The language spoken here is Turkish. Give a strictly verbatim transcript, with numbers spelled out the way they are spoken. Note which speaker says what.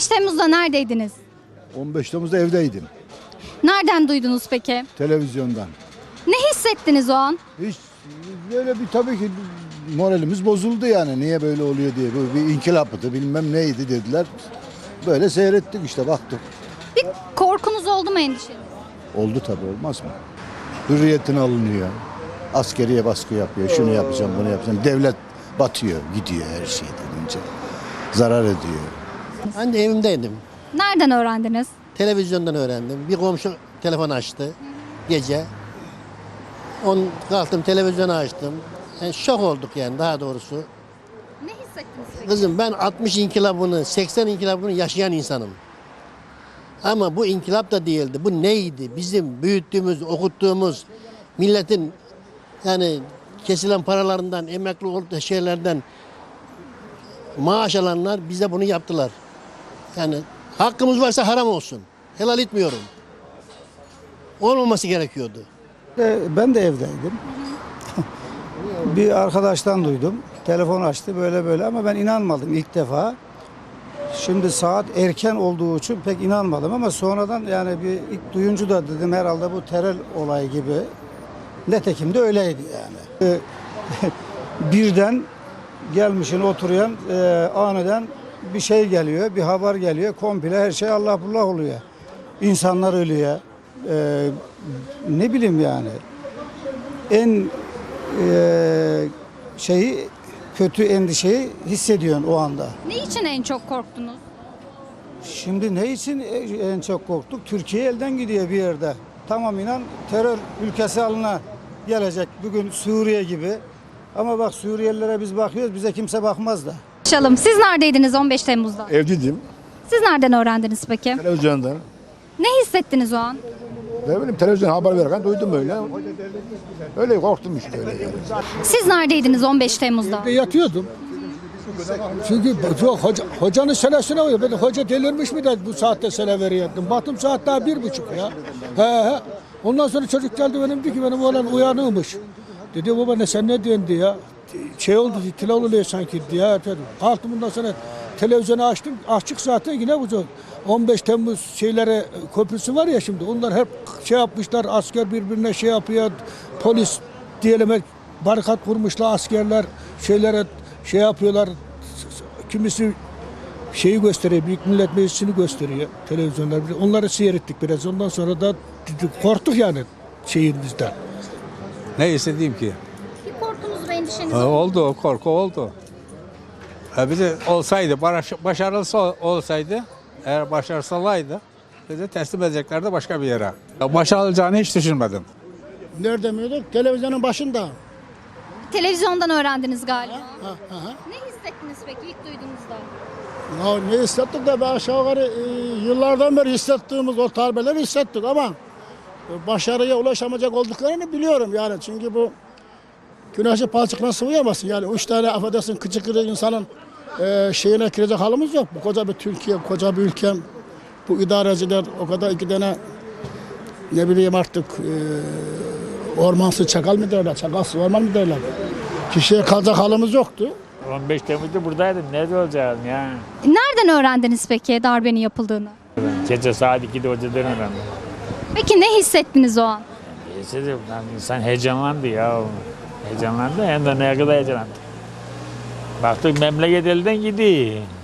Speaker 1: beş Temmuz'da neredeydiniz?
Speaker 2: on beş Temmuz'da evdeydim.
Speaker 1: Nereden duydunuz peki?
Speaker 2: Televizyondan.
Speaker 1: Ne hissettiniz o an?
Speaker 2: Hiç böyle bir tabii ki moralimiz bozuldu yani. Niye böyle oluyor diye. Bu bir inkılaptı bilmem neydi dediler. Böyle seyrettik işte baktık.
Speaker 1: Bir korkunuz oldu mu, endişeniz?
Speaker 2: Oldu tabii olmaz mı? Hürriyetin alınıyor. Askeriye baskı yapıyor. Şunu yapacağım bunu yapacağım. Devlet batıyor gidiyor her şeyden önce. Zarar ediyor.
Speaker 3: Ben de evimdeydim.
Speaker 1: Nereden öğrendiniz?
Speaker 3: Televizyondan öğrendim. Bir komşu telefon açtı gece. On kalktım televizyonu açtım. Yani şok olduk yani daha doğrusu.
Speaker 1: Ne hissettiniz peki?
Speaker 3: Kızım ben altmış inkılabını, seksen inkılabını yaşayan insanım. Ama bu inkılap da değildi. Bu neydi? Bizim büyüttüğümüz, okuttuğumuz milletin yani kesilen paralarından, emekli olduğu şeylerden maaş alanlar bize bunu yaptılar. Yani hakkımız varsa haram olsun. Helal etmiyorum. Olmaması gerekiyordu.
Speaker 4: E, Ben de evdeydim. Bir arkadaştan duydum. Telefon açtı böyle böyle ama ben inanmadım ilk defa. Şimdi saat erken olduğu için pek inanmadım ama sonradan yani bir ilk duyuncu da dedim herhalde bu terör olayı gibi. Netekim de öyleydi yani. E, Birden gelmişin oturuyan e, aniden bir şey geliyor, bir haber geliyor. Komple her şey Allah bullah oluyor. İnsanlar ölüyor. E, ne bileyim yani. En e, şeyi kötü endişeyi hissediyorsun o anda.
Speaker 1: Ne için en çok korktunuz?
Speaker 4: Şimdi ne için en çok korktuk? Türkiye elden gidiyor bir yerde. Tamam inan terör ülkesi haline gelecek. Bugün Suriye gibi. Ama bak Suriyelilere biz bakıyoruz, bize kimse bakmaz da.
Speaker 1: Konuşalım. Siz neredeydiniz on beş Temmuz'da?
Speaker 5: Evliydim.
Speaker 1: Siz nereden öğrendiniz peki?
Speaker 5: Televizyondan.
Speaker 1: Ne hissettiniz o an?
Speaker 5: Ne bileyim televizyon haber verirken duydum öyle. Öyle korktum işte öyle. Yani.
Speaker 1: Siz neredeydiniz on beş Temmuz'da?
Speaker 6: Yatıyordum. Çünkü hoca, hocanın senesine uyuyor. Ben hoca delirmiş mi de bu saatte sene veriyordum. Baktım saat daha bir buçuk ya. He he. Ondan sonra çocuk geldi benim dedi ki benim oğlan uyanığımış. Dedi baba ne sen ne diyorsun ya. Şey oldu tila oluyor sanki diye. Kalktım bundan sonra televizyonu açtım. Açık zaten yine bu on beş Temmuz şeylere köprüsü var ya şimdi. Onlar hep şey yapmışlar. Asker birbirine şey yapıyor. Polis diyelim barikat kurmuşlar askerler şeylere şey yapıyorlar. Kimisi şeyi gösteriyor. Büyük Millet Meclisi'ni gösteriyor televizyonlar. Onları seyrettik biraz. Ondan sonra da korktuk yani şehrimizden.
Speaker 7: Ne istediğim ki?
Speaker 1: Bir korkunuz ve endişeniz
Speaker 7: Ha, oldu, o korku oldu. Ha, bir de olsaydı, başarılısı olsaydı, eğer başarısalıydı, bizi teslim edeceklerdi başka bir yere. Başarılacağını hiç düşünmedim.
Speaker 8: Nerede miydik? Televizyonun başında.
Speaker 1: Televizyondan öğrendiniz galiba.
Speaker 8: Ha, ha, ha.
Speaker 1: Ne hissettiniz peki ilk duyduğunuzda?
Speaker 8: Ya ne hissettik de be aşağı yukarı e, yıllardan beri hissettiğimiz o darbeleri hissettik ama e, başarıya ulaşamayacak olduklarını biliyorum yani. Çünkü bu güneşi palçıkla sıvayamazsın yani. Üç tane affedersin kıçı kırık insanın e, şeyine girecek halimiz yok. Bu koca bir Türkiye, koca bir ülkem. Bu idareciler o kadar iki tane ne bileyim artık e, ormansız çakal mı derler, çakalsız orman mı derler. Kişiye kalacak halimiz yoktu.
Speaker 9: on beş Temmuz'da buradaydım. Nerede olacağım ya?
Speaker 1: Nereden öğrendiniz peki darbenin yapıldığını?
Speaker 9: Gece saat ikide hocadan öğrendim.
Speaker 1: Peki ne hissettiniz o an?
Speaker 9: Neyse insan heyecanlandı ya. Heyecanlandı hem de ne kadar heyecanlandı. Baktık memleket elden gidiyor.